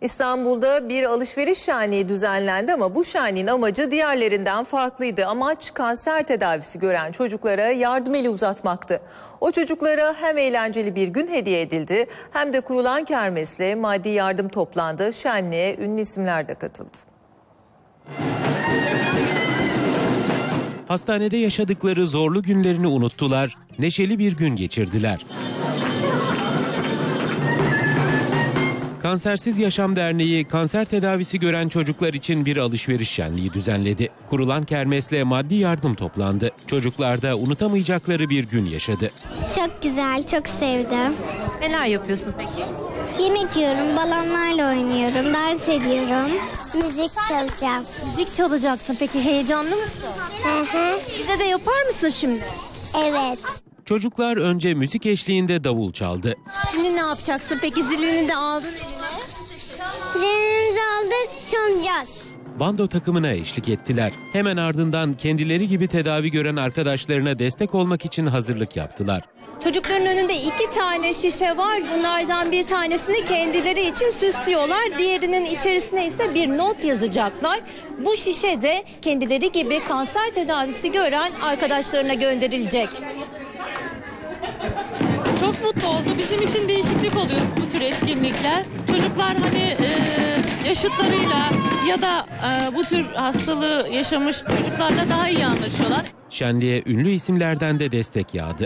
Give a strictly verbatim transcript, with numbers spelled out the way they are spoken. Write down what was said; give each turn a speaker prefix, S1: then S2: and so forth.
S1: İstanbul'da bir alışveriş şenliği düzenlendi ama bu şenliğin amacı diğerlerinden farklıydı. Amaç kanser tedavisi gören çocuklara yardım eli uzatmaktı. O çocuklara hem eğlenceli bir gün hediye edildi hem de kurulan kermesle maddi yardım toplandı. Şenliğe ünlü isimler de katıldı.
S2: Hastanede yaşadıkları zorlu günlerini unuttular, neşeli bir gün geçirdiler. Kansersiz Yaşam Derneği kanser tedavisi gören çocuklar için bir alışveriş şenliği düzenledi. Kurulan kermesle maddi yardım toplandı. Çocuklar da unutamayacakları bir gün yaşadı.
S3: Çok güzel, çok sevdim.
S4: Neler yapıyorsun peki?
S3: Yemek yiyorum, balonlarla oynuyorum, dans ediyorum. Müzik çalacağım.
S4: Müzik çalacaksın. Peki heyecanlı mısın?
S3: Hı hı.
S4: Bize de yapar mısın şimdi?
S3: Evet.
S2: Çocuklar önce müzik eşliğinde davul çaldı.
S4: Şimdi ne yapacaksın? Peki zilini de aldın eline.
S3: Zilimizi aldık, çalacağız.
S2: Bando takımına eşlik ettiler. Hemen ardından kendileri gibi tedavi gören arkadaşlarına destek olmak için hazırlık yaptılar.
S4: Çocukların önünde iki tane şişe var. Bunlardan bir tanesini kendileri için süslüyorlar. Diğerinin içerisine ise bir not yazacaklar. Bu şişe de kendileri gibi kanser tedavisi gören arkadaşlarına gönderilecek.
S5: Çok mutlu oldu. Bizim için değişiklik oluyor bu tür etkinlikler. Çocuklar hani e, yaşıtlarıyla ya da e, bu tür hastalığı yaşamış çocuklarla daha iyi anlaşıyorlar.
S2: Şenliğe ünlü isimlerden de destek yağdı.